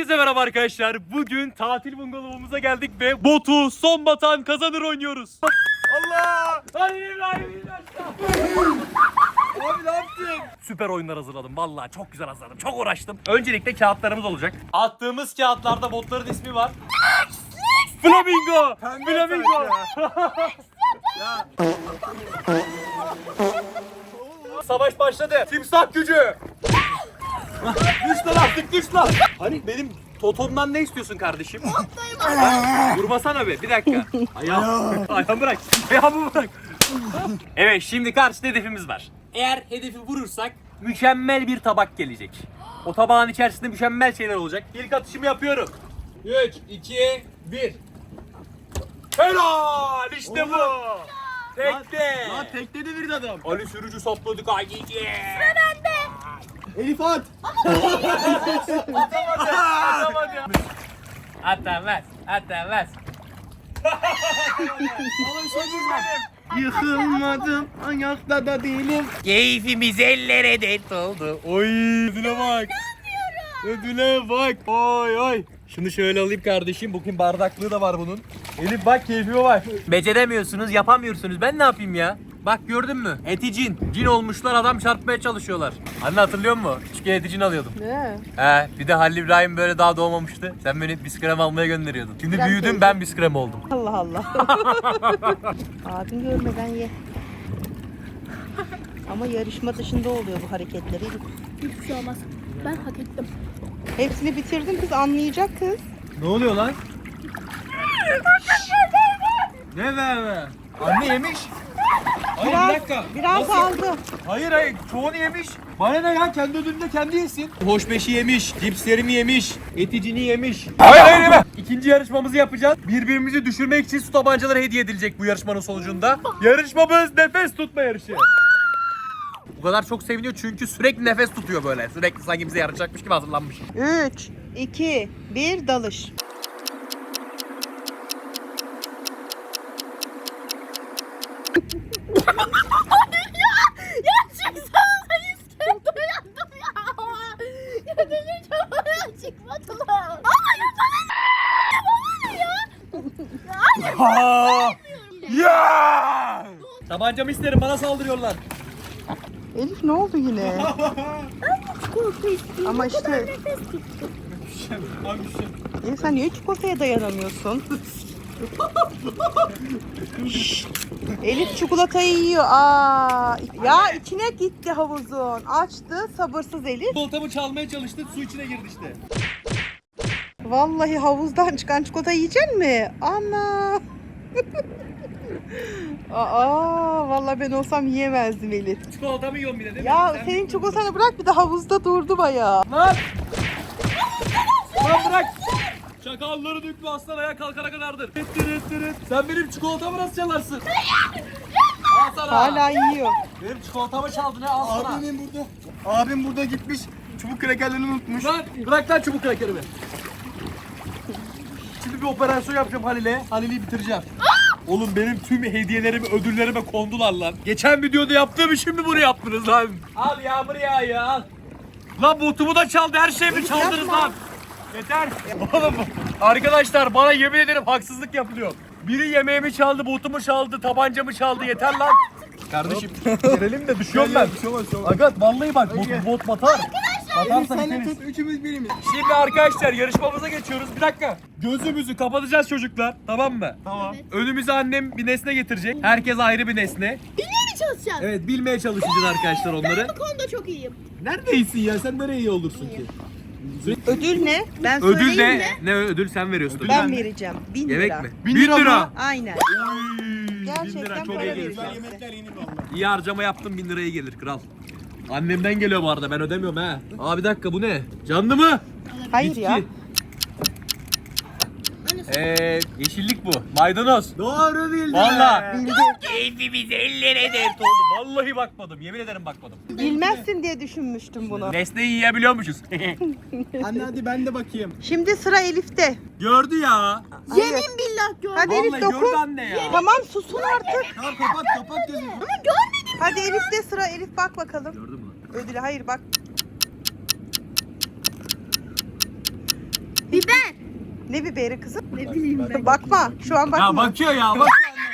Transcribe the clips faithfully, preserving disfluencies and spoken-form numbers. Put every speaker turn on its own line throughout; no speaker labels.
Herkese merhaba arkadaşlar. Bugün tatil bungalovumuza geldik ve botu son batan kazanır oynuyoruz. Allah! Hayır, hayır, Abi ne yaptın? Süper oyunlar hazırladım. Vallahi çok güzel hazırladım. Çok uğraştım. Öncelikle kağıtlarımız olacak. Attığımız kağıtlarda botların ismi var. Flamingo! Flamingo! Ya. Savaş başladı. Timsah gücü. Düş lan artık, düş lan. Hani benim totomdan ne istiyorsun kardeşim? Vurmasana be, bir dakika. Ayağım, ayağımı bırak, ayağımı bırak. Evet, şimdi karşıda hedefimiz var. Eğer hedefi vurursak mükemmel bir tabak gelecek. O tabağın içerisinde mükemmel şeyler olacak. İlk atışımı yapıyorum. üç, iki, bir. Helal, işte bu. Tekte.
Lan tekte de bir adam.
Ali sürücü sapladık Aygici.
Elif at.
Atamaz, atamaz.
Yıkılmadım, ayakta da değilim.
Keyfimiz ellere dert oldu. Oy, ödüle bak. Ödüle bak. Oy oy. Şunu şöyle alayım kardeşim. Bugün bardaklığı da var bunun. Elif bak, keyfime bak. Beceremiyorsunuz, yapamıyorsunuz. Ben ne yapayım ya? Bak gördün mü? Eti cin. Cin olmuşlar, adam çarpmaya çalışıyorlar. Anne hatırlıyor musun? Küçükken eti cin alıyordum.
Ne?
He, bir de Halil İbrahim böyle daha doğmamıştı. Sen beni biskrem almaya gönderiyordun. Şimdi
Ben
büyüdüm,
teyze.
ben biskrem oldum.
Allah Allah. Abin görmeden ye. Ama yarışma dışında oluyor bu hareketleri.
Hiçbir şey olmaz. Ben hak ettim.
Hepsini bitirdin kız, anlayacak kız.
Ne oluyor lan? Ne be be? Anne yemiş. Hayır
Biraz,
bir dakika.
biraz
Nasıl?
aldı.
Hayır hayır, çoğunu yemiş. Bana ne ya, kendi ödülünde kendi yesin. Hoşbeşi yemiş, cipslerimi yemiş, eticini yemiş. Hayır hayır yeme. İkinci yarışmamızı yapacağız. Birbirimizi düşürmek için su tabancaları hediye edilecek bu yarışmanın sonucunda. Yarışmamız nefes tutma yarışı. Bu kadar çok seviniyor çünkü sürekli nefes tutuyor böyle. Sürekli sanki bize yarışacakmış gibi hazırlanmış.
üç, iki, bir dalış.
Ya çıksana iskelet uyandım ya. Ya benim çok oraya çıkmadılar. Ama ya bana ya.
Ha! Ya! Tabancamı isterim, bana saldırıyorlar.
Elif ne oldu yine?
Korku istiyorum.
Ama işte
Nefes tuttum.
Elif, sen niye çikolataya dayanamıyorsun? Şşt! Elif çikolatayı yiyor. Aa, ya içine gitti havuzun. Açtı sabırsız Elif.
Çikolatamı çalmaya çalıştı, su içine girdi işte.
Vallahi havuzdan çıkan çikolata yiyecek mi? Ana. Aa, vallahi ben olsam yiyemezdim Elif.
Çikolatamı yiyorum bir de değil mi?
Ya
Sen-
senin çikolatanı bırak, bir de havuzda durdu bayağı.
Lan! Lan bırak! Çakalları dökme, aslan ayağa kalkana kadardır. Tırıt tırıt tırıt. Sen benim çikolatamı nasıl çalarsın? Al sana.
Hala yiyor.
Benim çikolatamı çaldın ha, al sana.
Abimin burada. Abim burada gitmiş. Çubuk krekerlerini unutmuş.
Lan bırak lan çubuk krakerimi. Şimdi bir operasyon yapacağım Halil'e. Halil'i bitireceğim. Oğlum benim tüm hediyelerimi, ödüllerime kondular lan. Geçen videoda yaptığım işi mi bunu yaptınız lan? Al yağmur ya ya al. Lan botumu da çaldı, her şeyimi çaldınız lan. Yeter. Oğlum arkadaşlar, bana yemin ederim haksızlık yapılıyor. Biri yemeğimi çaldı, botumu çaldı, tabancamı çaldı, yeter lan. Kardeşim girelim de düşüyorum ben.
Bir şey olmaz, bir şey olmaz.
Agat vallahi bak bot, bot batar. Batarsa
Sen de
biteriz.
tut, üçümüz birimiz.
Şimdi arkadaşlar yarışmamıza geçiyoruz. Bir dakika. Gözümüzü kapatacağız çocuklar. Tamam mı? Tamam. Önümüze annem bir nesne getirecek. Herkes ayrı bir nesne.
Bilmeye mi çalışacağız?
Evet, bilmeye çalışacağız arkadaşlar onları.
Bu konuda çok iyiyim.
Neredeysin ya? Sen nereye iyi olursun ki?
Ödül ne? Ben
Ödül
söyleyeyim
ne?
mi?
Ne ödül sen veriyorsun? ödül.
Ben vereceğim. Bin
Yemek
lira.
mi?
Bin
Bin
lira
lira.
mı?
Aynen.
Oy, bin
Gerçekten
lira çok
para
iyi gelir.
vereceğim.
Yemekler yenir vallahi.
İyi harcama yaptım, bin liraya gelir kral. Annemden geliyor bu arada, ben ödemiyorum ha. Aa bir dakika, bu ne? Canlı mı?
Hayır
Bitki.
ya.
Eee yeşillik bu. Maydanoz.
Doğru bildin.
Valla.
Bildi.
Keyfimiz ellere dert oldu. Vallahi bakmadım. Yemin ederim bakmadım.
Bilmezsin diye düşünmüştüm bunu.
Nesneyi yiyebiliyormuşuz.
Anne hadi ben de bakayım.
Şimdi sıra Elif'te.
Gördü ya.
Yemin billah gör.
Hadi
Vallahi
Elif
gördü
dokun.
anne ya.
Tamam, susun artık.
Tamam kapat kapat gözünü.
Hadi Elif'te sıra. Elif bak bakalım.
Gördün mü?
Ödülü hayır bak. Ne biberi kızım?
Ne bileyim ben.
Bakma. Şu an bakma.
Ya bakıyor ya bak.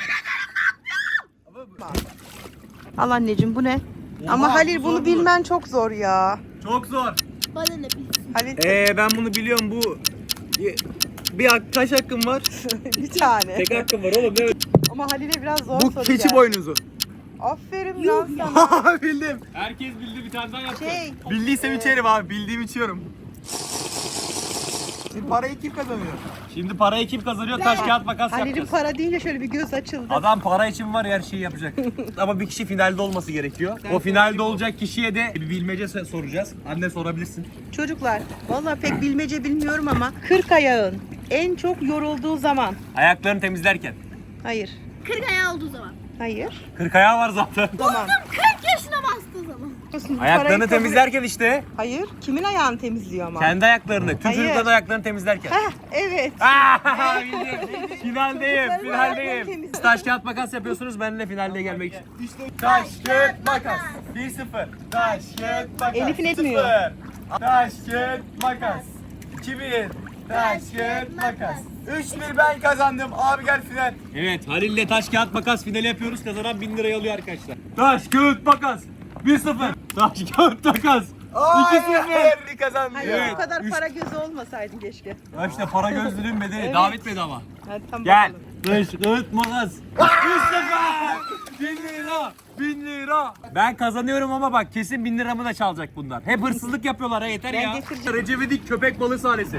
Al anneciğim bu ne?
Oha,
Ama Halil
bu
bunu
zor
bilmen çok zor ya.
Çok zor.
Bana ne bilsin.
Halil
Ee ben bunu biliyorum bu. Bir hak- kaç hakkım var?
bir tane.
Tek hakkım var oğlum. Evet.
Ama Halil'e biraz zor
Bu
soru
keçi
geldi.
boynuzu.
Aferin lan sana.
Bildim.
Herkes bildi, bir tane daha yapacak.
Şey.
Bildiysem
e,
içerim abi. Bildiğimi içiyorum. Şimdi parayı kim kazanıyor?
Şimdi parayı kim kazanıyor? Taş kağıt makas
Halil'in
yapacağız.
para deyince şöyle bir göz açıldı.
Adam para için var ya, her şeyi yapacak. Ama bir kişi finalde olması gerekiyor. O finalde olacak kişiye de bir bilmece so- soracağız. Anne sorabilirsin.
Çocuklar vallahi pek bilmece bilmiyorum ama kırk ayağın en çok yorulduğu zaman.
Ayaklarını temizlerken.
Hayır.
kırk ayağı olduğu zaman.
Hayır.
kırk ayağı var zaten.
Zaman.
kırk yaşına bastığı zaman.
Parayı
Ayaklarını
kabul-
temizlerken işte.
Hayır. Kimin ayağını temizliyor ama?
Kendi ayaklarını. Tüm
Hayır.
çocukların ayaklarını temizlerken.
Heh, evet.
Aa, bildim. Finaldeyim,
Çocukların
finaldeyim.
ayaklarını temizle.
Siz taş kağıt makas yapıyorsunuz, benimle finalde gelmek için. Taş kağıt makas. bir sıfır. Taş kağıt makas.
Elif'in etmiyor.
sıfır. Taş kağıt makas. iki bir. Taş kağıt makas.
üç bir ben kazandım. Abi gel final.
Evet, Halil'le taş kağıt makas finali yapıyoruz. Kazanan bin lirayı alıyor arkadaşlar. Taş kağıt makas. bir sıfır. Taş kağıt makas. iki sıfır.
Hayır kazandı.
Hayır
Evet,
bu kadar
üç-
para gözü olmasaydın keşke.
Ya işte para gözlülüğün bedeli.
Evet.
Daha bitmedi ama.
Hadi tamam
Gel.
bakalım.
Taş kağıt makas. üç sıfır. bin lira. bin lira. Ben kazanıyorum ama bak kesin bin liramı da çalacak bunlar. Hep hırsızlık yapıyorlar ha, yeter
Ben
ya.
getireceğim.
Recep İvedik köpek balığı sahnesi.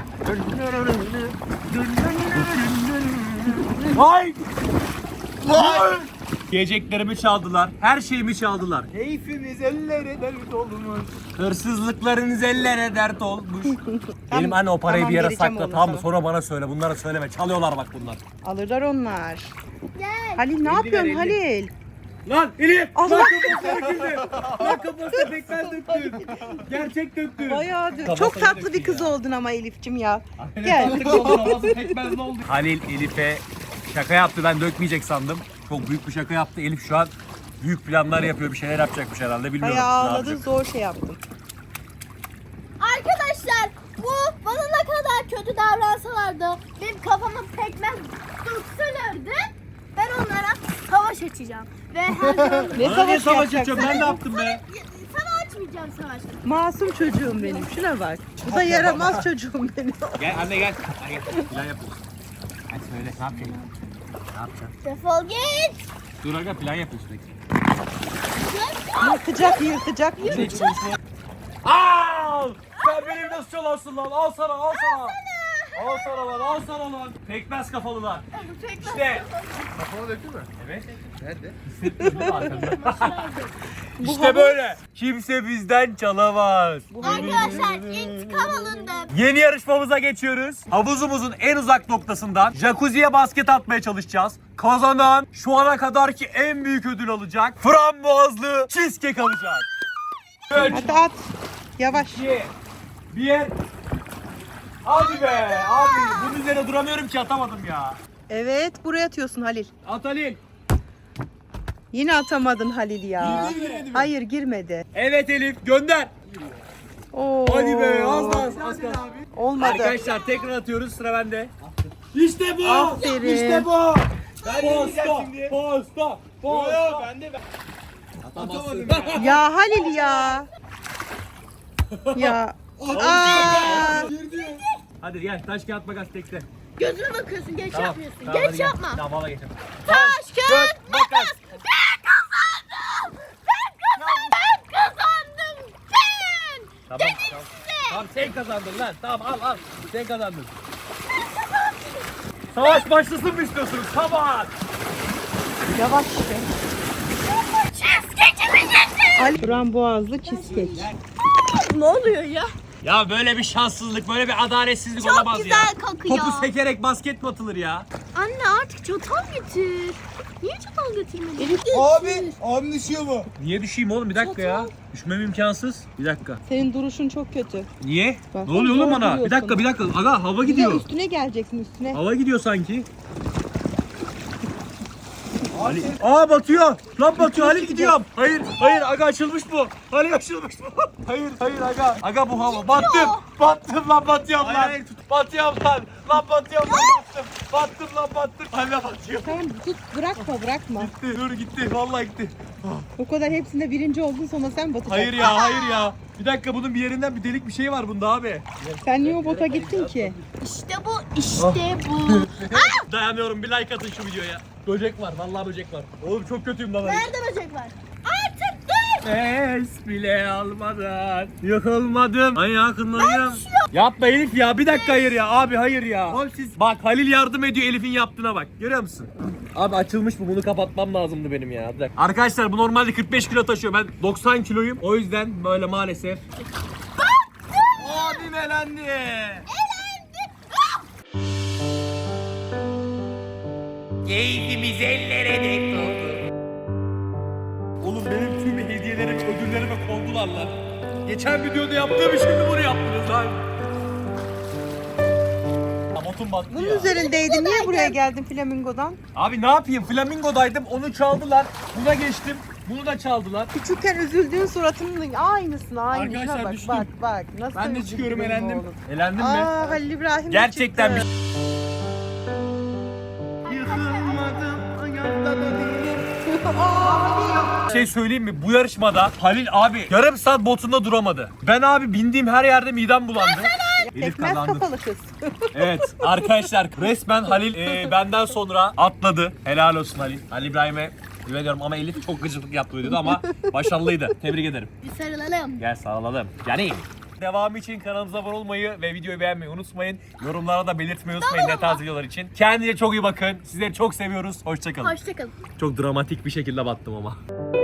Vay! Vay! Yiyeceklerimi çaldılar. Her şeyimi çaldılar.
Keyfimiz ellere dert olmuş.
Hırsızlıklarınız ellere dert olmuş.
Tamam,
Benim anne o parayı
tamam,
bir yere
vereceğim
sakla,
onu
tamam mı?
sana.
Sonra bana söyle. Bunlara söyleme. Çalıyorlar bak bunlar.
Alırlar onlar.
Gel.
Halil ne
elli
yapıyorsun
ver, elli.
Halil?
Lan Elif!
Allah!
Lan kafasına döküldü! Lan kafasına pekmez döktün! Gerçek döktün!
Bayağı dö-
Kafasına
çok tatlı
döktün
bir kız
ya.
oldun ama Elif'cim ya.
Gel.
Gel.
Pekmez ne oldu? Halil Elif'e şaka yaptı, ben dökmeyecek sandım. Çok büyük bir şaka yaptı. Elif şu an büyük planlar yapıyor, bir şeyler yapacakmış herhalde, bilmiyorum.
Bayağı
ne
ağladı,
yapacak.
zor şey yaptım.
Arkadaşlar bu bana ne kadar kötü davransalardı benim kafama pekmez dökselerdi ben onlara savaş açacağım. Ve her zaman
Ne
Bana niye
savaş
savaş
yapacaksın?
açıyorum? Ben ne yaptım be?
sana açmayacağım savaş.
Masum çocuğum benim. Şuna bak. Bu da yaramaz çocuğum benim.
Gel anne gel. Hadi gel. Plan yapıyoruz. Hadi söyle, ne yapacaksın? Ne yapacaksın?
Defol git.
Dur aga, plan yapıyorsun peki.
Yırtacak, yırtacak.
Al! Sen benim nasıl çalarsın lan? Al sana, al sana. Al sana lan, al sana lan. Pekmez kafalılar.
Pekmez.
İşte.
Kafana döktü mü?
Evet.
Nerede?
İşte böyle. Kimse bizden çalamaz.
Arkadaşlar intikam alındı.
Yeni yarışmamıza geçiyoruz. Havuzumuzun en uzak noktasından jacuzziye basket atmaya çalışacağız. Kazanan şu ana kadarki en büyük ödül alacak. Frambuazlı cheesecake alacak. üç,
Hadi at. Yavaş.
iki, bir. Hadi be abi, bunun üzerine duramıyorum ki, atamadım ya.
Evet, buraya atıyorsun Halil.
At Halil.
Yine atamadın Halil ya.
Girdi mi, girmedi mi?
Hayır, girmedi.
Evet Elif, gönder.
Oo.
Hadi be, az daha az, az kaldı.
Olmadı.
Arkadaşlar tekrar atıyoruz, sıra bende. İşte bu.
Aferin.
İşte bu.
Ben de yiyeceğim
Posta,
şimdi.
posta,
Yo
posta.
yo ben de ben. Atamadım ya.
Ya Halil ya. Ya. Aa.
Girdi.
Hadi gel, taş kağıt makas tekte.
Gözüme bakıyorsun geç yapmıyorsun.
tamam, hadi
geç
gel.
yapma.
Tamam, valla geçelim.
Taş kağıt
makas.
ben kazandım. Ben kazandım. Ben kazandım. Ben.
Tamam,
Dedim
tamam.
size.
Tamam, sen kazandın lan. Tamam, al al. Sen kazandın. Savaş başlasın mı istiyorsunuz? Tamam.
Yavaş işte.
Cheesecake'imi getir.
Halil frambuazlı cheesecake.
Ne oluyor ya?
Ya böyle bir şanssızlık, böyle bir adaletsizlik
Çok
olamaz ya.
güzel kokuyor.
Topu sekerek basket mi atılır ya?
Anne artık çatal getir. Niye çatal getirmedin? Elif
Abi, abim düşüyor mu?
Niye düşeyim oğlum? Bir dakika ya. Düşmem imkansız. Bir dakika.
Senin duruşun çok kötü.
Niye?
Bak,
ne oluyor oğlum
zor
bana? Bir
duruyorsun.
dakika, bir dakika. Aga hava
Bir de
gidiyor.
üstüne geleceksin üstüne.
Hava gidiyor sanki. Halil. Aa batıyor. Lan batıyor. Halil gidiyorum. Hayır. Hayır aga açılmış bu. Halil açılmış bu. Hayır. Hayır aga. Aga bu hava. Battım. Battım lan batıyorum lan. Batıyorum lan. Lan batıyorum lan battım. Battım lan battım. Hala batıyor.
Tamam tut bırakma bırakma.
Gitti. Dur gitti. Vallahi gitti.
O kadar hepsinde birinci oldun sonra sen batacaksın.
Hayır ya hayır ya. Bir dakika bunun bir yerinden bir delik bir şey var bunda abi.
Sen niye o bota gittin ki?
İşte bu, işte bu.
Dayanıyorum bir like atın şu videoya. Böcek var vallahi böcek var. Oğlum çok kötüyüm lan.
Nerede böcek var? Artık dur.
Es bile almadan yıkılmadım ayaklarım. Yapma Elif ya bir dakika hayır ya abi hayır ya. Oğlum siz bak Halil yardım ediyor Elif'in yaptığına bak görüyor musun? Abi açılmış bu bunu kapatmam lazımdı benim ya. Bir dakika. Arkadaşlar bu normalde kırk beş kilo taşıyor ben doksan kiloyum o yüzden böyle maalesef. Abim elendi. Keyfimiz ellere dek oldu. Oğlum benim tüm hediyelerim, ödüllerime kondular lan. Geçen videoda yaptığım şimdi bunu yaptınız lan. Motum battı
Bunun
ya.
üzerindeydi. Niye buraya geldin flamingodan?
Abi ne yapayım? Flamingodaydım, onu çaldılar. Buna geçtim, bunu da çaldılar.
Küçükken üzüldüğün suratının aynısını aynısına
Arkadaşlar
bak
düştüm.
bak bak. Nasıl
Ben de
üzüldü
çıkıyorum,
benim
elendim.
oğlum.
Elendim mi?
Aa Halil İbrahim de
Gerçekten
çıktı.
Bir şey söyleyeyim mi? Bu yarışmada Halil abi yarım saat botunda duramadı. Ben abi bindiğim her yerde midem bulandı. Elif
Pekmez
kazandı.
kafalı kız.
Evet arkadaşlar resmen Halil e, benden sonra atladı. Helal olsun Halil. Halil İbrahim'e güveniyorum ama Elif çok gıcıklık yaptı videoda ama başarılıydı. Tebrik ederim.
Bir sarılalım.
Gel sağlayalım. Yani devamı için kanalımıza abone olmayı ve videoyu beğenmeyi unutmayın. Yorumlara da belirtmeyi unutmayın ne tarz videolar için. Kendinize çok iyi bakın. Sizleri çok seviyoruz. Hoşçakalın.
Hoşçakalın.
Çok dramatik bir şekilde battım ama.